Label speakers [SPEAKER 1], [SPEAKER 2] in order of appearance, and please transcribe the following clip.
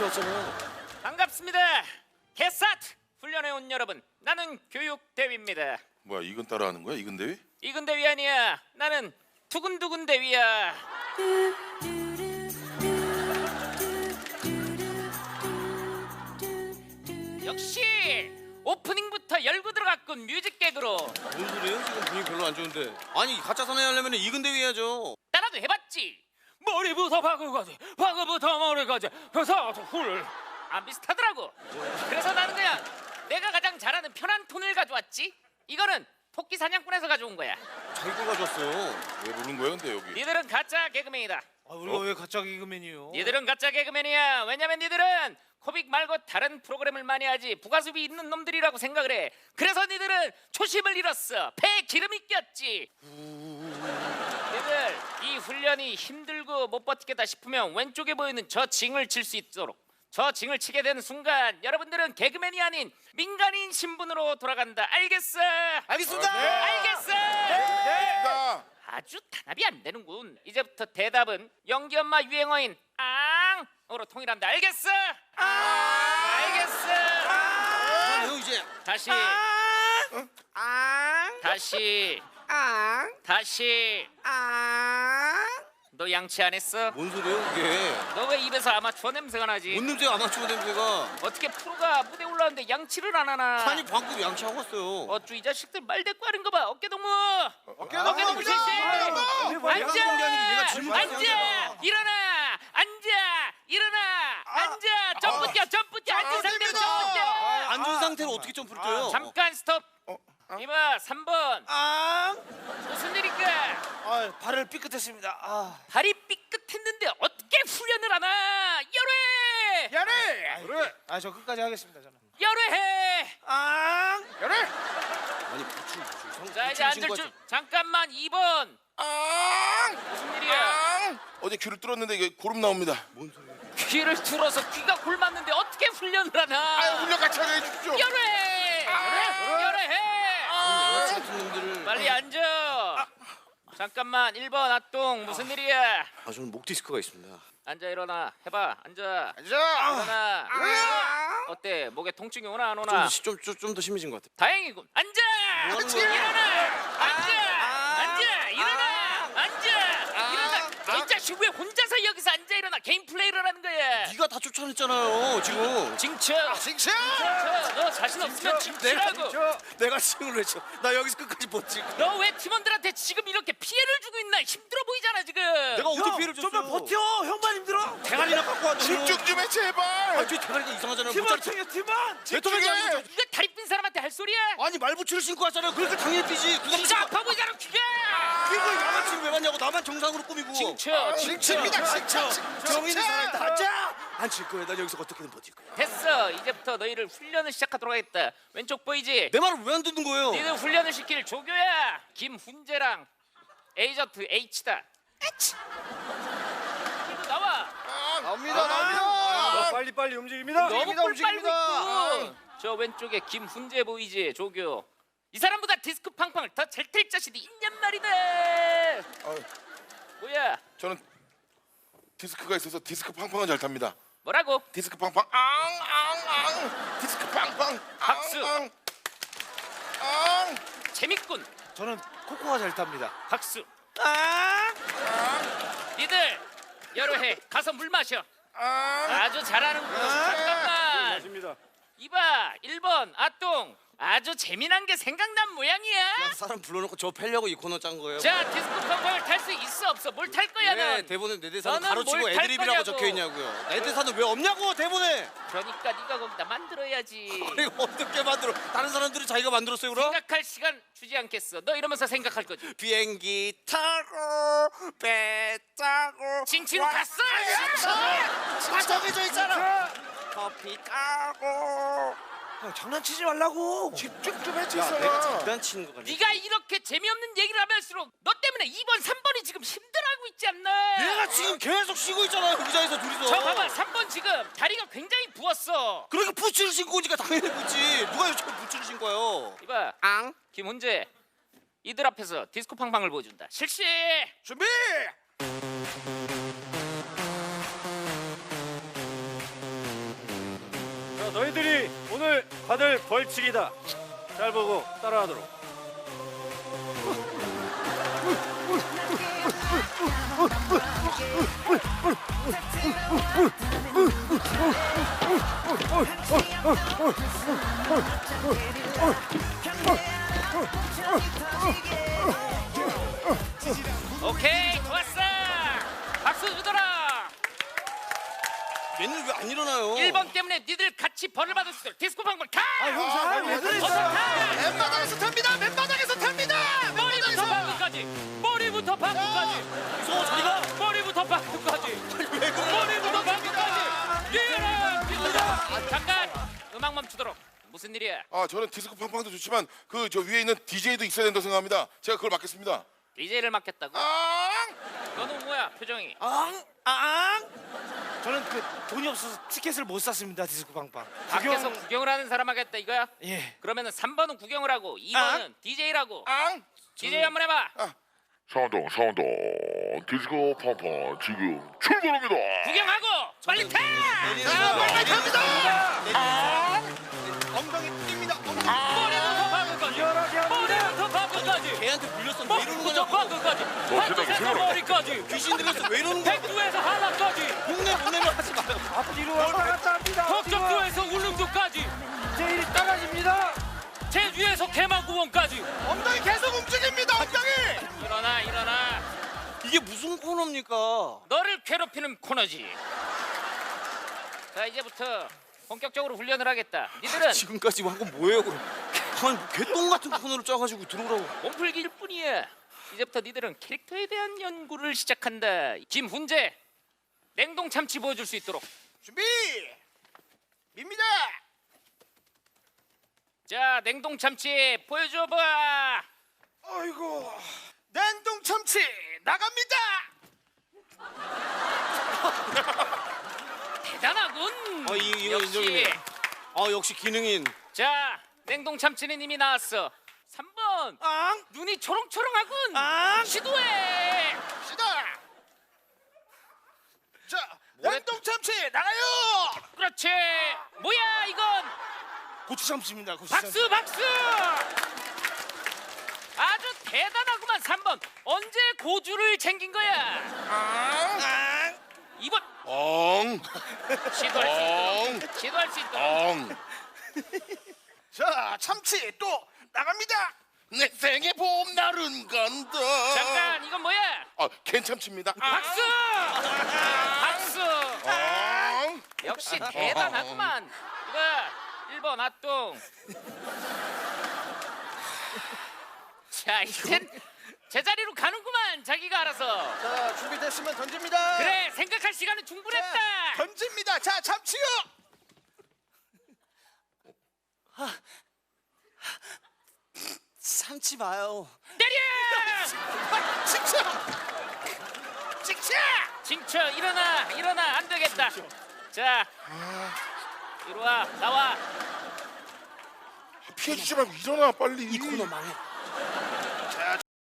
[SPEAKER 1] 같이 왔잖아요.
[SPEAKER 2] 반갑습니다. 개사트 훈련해 온 여러분, 나는 교육대위입니다.
[SPEAKER 3] 뭐야 이건 따라하는 거야? 이건 대위?
[SPEAKER 2] 이근 대위 아니야. 나는 두근두근 대위야. 역시 오프닝부터 열고 들어갔군. 뮤직 개그로.
[SPEAKER 1] 뭔 소리예요? 지금 분위기 별로 안 좋은데. 아니 가짜 사나이 하려면 이근대위 해야죠.
[SPEAKER 2] 따라도 해봤지. 머리부터 발끝까지, 발끝부터 머리까지, 그래서 훌. 안 비슷하더라고. 그래서 나는 그냥 내가 가장 잘하는 편한 톤을 가져왔지. 이거는 토끼 사냥꾼에서 가져온 거야.
[SPEAKER 1] 자기 거 가져왔어요.
[SPEAKER 3] 왜 부른 거야 근데 여기?
[SPEAKER 2] 니들은 가짜 개그맨이다.
[SPEAKER 4] 우리가 왜 가짜 개그맨이요?
[SPEAKER 2] 니들은 가짜 개그맨이야. 왜냐면 니들은 코빅 말고 다른 프로그램을 많이 하지 부가수입이 있는 놈들이라고 생각을 해. 그래서 니들은 초심을 잃었어. 배에 기름이 꼈지. 니들 이 훈련이 힘들고 못 버티겠다 싶으면 왼쪽에 보이는 저 징을 칠 수 있도록, 저 징을 치게 되는 순간 여러분들은 개그맨이 아닌 민간인 신분으로 돌아간다. 알겠어?
[SPEAKER 4] 알겠습니다.
[SPEAKER 2] 알겠어?
[SPEAKER 3] 나
[SPEAKER 2] 아주 단합이 안 되는군. 이제부터 대답은 연기 엄마 유행어인 앙으로 통일한다. 알겠어? 알겠어?
[SPEAKER 1] 그래요 이제.
[SPEAKER 2] 다시 다시 너 양치 안 했어?
[SPEAKER 1] 뭔 소리예요 그게?
[SPEAKER 2] 너 왜 입에서 아마추어 냄새가 나지?
[SPEAKER 1] 뭔 냄새 아마추어 냄새가?
[SPEAKER 2] 어떻게 프로가 무대 올라왔는데 양치를 안 하나?
[SPEAKER 1] 아니 방금 양치하고 왔어요.
[SPEAKER 2] 어쭈 이 자식들 말 대꾸 하는 거 봐. 어깨 동무.
[SPEAKER 4] 어깨
[SPEAKER 2] 어깨 동무 실시. 앉아. 일어나. 앉아. 점프 뛰어. 앉은 상태로 점프 뛰어.
[SPEAKER 1] 앉은 상태로 어떻게 점프를 뛰어요?
[SPEAKER 2] 잠깐 스톱. 이봐 3번. 무슨 일인가?
[SPEAKER 4] 발을 삐끗했습니다.
[SPEAKER 2] 발이 삐끗했는데 어떻게 훈련을 하나? 열회.
[SPEAKER 4] 그래. 저 끝까지 하겠습니다. 저는.
[SPEAKER 2] 열회해.
[SPEAKER 1] 아니 부추.
[SPEAKER 2] 자 이제 앉을 줄. 잠깐만 2번. 무슨 일이야?
[SPEAKER 3] 어제 귀를 뚫었는데 이게 고름 나옵니다.
[SPEAKER 2] 귀를 뚫어서 귀가 골맞는데 어떻게 훈련을 하나?
[SPEAKER 3] 훈련 같이 하게 해주십시오.
[SPEAKER 2] 열회. 열회해.
[SPEAKER 1] 같은 놈들을.
[SPEAKER 2] 빨리 앉아. 잠깐만 1번 아똥 무슨 일이야?
[SPEAKER 1] 저는 목 디스크가 있습니다.
[SPEAKER 2] 앉아 일어나 해봐. 앉아 일어나. 어때 목에 통증이 오나 안 오나?
[SPEAKER 1] 좀 더 심해진 것 같아요.
[SPEAKER 2] 다행이군. 앉아 일어나. 앉아 일어나. 이 자식 왜 혼자서 여기서 앉아 일어나? 개인 플레이를 하는 거야.
[SPEAKER 1] 네가 다 쫓아냈잖아요 지금.
[SPEAKER 2] 징쳐. 너 자신 없으면 징치라고.
[SPEAKER 1] 내가 칭을 외쳐. 나 여기서 끝까지 버틸 거야.
[SPEAKER 2] 너 왜 팀원들한테 지금 이렇게 피해를 주고 있나? 힘들어 보이잖아 지금.
[SPEAKER 1] 내가 어떻게 피해를 줬어요?
[SPEAKER 4] 좀만 버텨. 형만 힘들어.
[SPEAKER 1] 대가리나 갖고 왔죠.
[SPEAKER 3] 집중 좀 해 제발.
[SPEAKER 1] 저 대가리가 이상하잖아요.
[SPEAKER 4] 팀원
[SPEAKER 1] 못 자르-
[SPEAKER 4] 챙겨 팀원.
[SPEAKER 1] 베토벤이 아니고
[SPEAKER 2] 이거 다리 삔 사람한테 할 소리야?
[SPEAKER 1] 아니 말부츠를 신고 왔잖아요. 그러니까 당연히 뛰지.
[SPEAKER 2] 진짜 아파 보이잖아 귀가.
[SPEAKER 1] 그걸 양아치를 왜 봤냐고. 나만 정상으로 꾸미고.
[SPEAKER 2] 징쳐.
[SPEAKER 1] 정인이 살아있다. 앉아. 앉힐 거야. 난 여기서 어떻게든 버틸 거야.
[SPEAKER 2] 됐어. 이제부터 너희를 훈련을 시작하도록 하겠다. 왼쪽 보이지?
[SPEAKER 1] 내 말을 왜 안 듣는 거예요?
[SPEAKER 2] 니들 훈련을 시킬 조교야. 김훈재랑 에이전트 H다. 이거 나와.
[SPEAKER 3] 나옵니다.
[SPEAKER 4] 빨리 움직입니다.
[SPEAKER 2] 너무 꿀 빨고 있고. 저 왼쪽에 김훈재 보이지? 조교. 이 사람보다 디스크 팡팡을 더 잘 탈 자신이 있냔 말이다. 뭐야?
[SPEAKER 3] 저는 디스크가 있어서 디스크 팡팡은 잘 탑니다.
[SPEAKER 2] 뭐라고?
[SPEAKER 3] 디스크 팡팡 디스크 팡팡
[SPEAKER 2] 박수.
[SPEAKER 3] 앙.
[SPEAKER 2] 재밌군.
[SPEAKER 4] 저는 코코가 잘 탑니다.
[SPEAKER 2] 박수. 니들 여러 해 가서 물 마셔. 아주 잘하는군. 잠깐만.
[SPEAKER 4] 맞습니다.
[SPEAKER 2] 이봐 1번 아똥. 아주 재미난 게 생각난 모양이야.
[SPEAKER 1] 사람 불러놓고 저 패려고 이 코너 짠 거예요.
[SPEAKER 2] 자 디스코 팡팡을 탈 수 있어 없어? 뭘 탈 거야
[SPEAKER 1] 왜
[SPEAKER 2] 넌?
[SPEAKER 1] 대본에 내 대사는
[SPEAKER 2] 너는
[SPEAKER 1] 가로치고
[SPEAKER 2] 뭘탈
[SPEAKER 1] 애드립이라고
[SPEAKER 2] 거냐고.
[SPEAKER 1] 적혀 있냐고요. 내 대사는 왜 없냐고 대본에.
[SPEAKER 2] 그러니까 네가 거기다 만들어야지.
[SPEAKER 1] 이거 어떻게 만들어? 다른 사람들이 자기가 만들었어요 그럼?
[SPEAKER 2] 생각할 시간 주지 않겠어. 너 이러면서 생각할 거지.
[SPEAKER 1] 비행기 타고 배 타고
[SPEAKER 2] 칭칭 갔어.
[SPEAKER 1] 다 정해져 있잖아. 커피 타고.
[SPEAKER 4] 장난치지 말라고.
[SPEAKER 3] 집중 좀 해
[SPEAKER 1] 내가
[SPEAKER 3] 제발.
[SPEAKER 1] 장난치는 거 같아.
[SPEAKER 2] 네가 이렇게 재미없는 얘기를 하면서록 너 때문에 2번 3번이 지금 힘들어하고 있지 않나?
[SPEAKER 1] 얘가 지금 계속 쉬고 있잖아요 의자에서 둘이서.
[SPEAKER 2] 저 봐봐 3번 지금 다리가 굉장히 부었어.
[SPEAKER 1] 그러니까 부츠를 신고 오니까 당연히 부지. 누가 요즘 부츠를 신고요?
[SPEAKER 2] 이봐
[SPEAKER 1] 앙.
[SPEAKER 2] 김훈재 이들 앞에서 디스코 팡팡을 보여준다. 실시.
[SPEAKER 4] 준비. 다들 벌칙이다. 잘 보고 따라하도록.
[SPEAKER 2] 오케이, 좋았어. 박수 주더라.
[SPEAKER 1] 얘는 왜 안 일어나요?
[SPEAKER 2] 1번 때문에 니들 같이 벌을 받을 수 있도록 디스코 방방 타!
[SPEAKER 4] 왜 그랬어?
[SPEAKER 2] 어서 타!
[SPEAKER 1] 맨바닥에서 탑니다. 맨바닥에서 탑니다.
[SPEAKER 2] 머리부터 방구까지. 머리부터 방구까지.
[SPEAKER 1] 저리가.
[SPEAKER 2] 머리부터 방구까지. 머리부터 방구까지. 뛰어라. 잠깐. 음악 멈추도록. 무슨 일이야?
[SPEAKER 3] 아 저는 디스코 팡팡도 좋지만 그 저 위에 있는 DJ도 있어야 된다고 생각합니다. 제가 그걸 맡겠습니다.
[SPEAKER 2] DJ를 맡겠다고?
[SPEAKER 3] 아!
[SPEAKER 2] 너는 뭐야 표정이?
[SPEAKER 4] 저는 그 돈이 없어서 티켓을 못 샀습니다. 디스코 빵빵.
[SPEAKER 2] 밖에서 구경을 하는 사람 하겠다 이거야?
[SPEAKER 4] 예.
[SPEAKER 2] 그러면은 3번은 구경을 하고 2번은 DJ라고.
[SPEAKER 3] 앙!
[SPEAKER 2] DJ 한번 해봐.
[SPEAKER 3] 사운드 디스코 팡팡 지금 출발합니다.
[SPEAKER 2] 구경하고 빨리 타!
[SPEAKER 1] 빨리 갑니다. 엉덩이 뜁니다.
[SPEAKER 2] 머리부터 방구까지.
[SPEAKER 4] 시원하게 합니다.
[SPEAKER 2] 머리부터 방구까지.
[SPEAKER 1] 걔한테 물렸어. 왜 이러는
[SPEAKER 2] 머리부터
[SPEAKER 1] 거냐고.
[SPEAKER 2] 방구까지. 한쪽에서 머리까지.
[SPEAKER 1] 귀신 들렸어. 왜 이러는 거야?
[SPEAKER 2] 백두에서 하나까지.
[SPEAKER 1] 흉내면 하지 마요.
[SPEAKER 4] 앞뒤로 왔다 갔다 합니다.
[SPEAKER 2] 덕적도에서 울릉도까지.
[SPEAKER 4] 제일이 따라집니다.
[SPEAKER 2] 제주에서 개마구원까지.
[SPEAKER 1] 엉덩이 계속 움직입니다. 엉덩이.
[SPEAKER 2] 일어나.
[SPEAKER 1] 이게 무슨 코너입니까?
[SPEAKER 2] 너를 괴롭히는 코너지. 자 이제부터 본격적으로 훈련을 하겠다. 니들은
[SPEAKER 1] 지금까지 한 건 뭐예요, 그럼? 아니, 개똥 같은 코너를 짜가지고 들어오라고.
[SPEAKER 2] 몸풀기일 뿐이야. 이제부터 니들은 캐릭터에 대한 연구를 시작한다. 김훈재 냉동 참치 보여줄 수 있도록.
[SPEAKER 1] 준비. 밉니다.
[SPEAKER 2] 자 냉동 참치 보여줘봐.
[SPEAKER 1] 아이고. 냉동 참치 나갑니다.
[SPEAKER 2] 대단하군.
[SPEAKER 1] 이거
[SPEAKER 2] 역시.
[SPEAKER 1] 인정이네. 역시 기능인.
[SPEAKER 2] 자 냉동 참치는 이미 나왔어. 3번 눈이 초롱초롱하군. 시도해.
[SPEAKER 1] 시다. 자,
[SPEAKER 2] 뭐래?
[SPEAKER 1] 냉동 참치 나가요.
[SPEAKER 2] 그렇지. 뭐야 이건.
[SPEAKER 1] 고추 참치입니다. 고추
[SPEAKER 2] 박수. 아주 대단하구만. 3번 언제 고주를 챙긴 거야. 2번
[SPEAKER 3] 엉!
[SPEAKER 2] 시도할 수 있도록.
[SPEAKER 3] 엉!
[SPEAKER 1] 자, 참치 또 나갑니다.
[SPEAKER 3] 내 생의 봄날은 간다.
[SPEAKER 2] 잠깐 이건 뭐야.
[SPEAKER 3] 괜찮습니다.
[SPEAKER 2] 박수.
[SPEAKER 3] 엉!
[SPEAKER 2] 역시 대단하구만. 이거 1번 아똥. 자 이젠 제자리로 가는구만. 자기가 알아서.
[SPEAKER 1] 자, 준비됐으면 던집니다.
[SPEAKER 2] 그래 생각할 시간은 충분했다.
[SPEAKER 1] 자, 던집니다. 자, 참치요. 참치 마요.
[SPEAKER 2] 때려.
[SPEAKER 1] 직쳐.
[SPEAKER 2] 징쳐 일어나 안 되겠다. 자 이리 와 나와.
[SPEAKER 3] 피해주지 말고 일어나 빨리.
[SPEAKER 1] 이 코너 망해.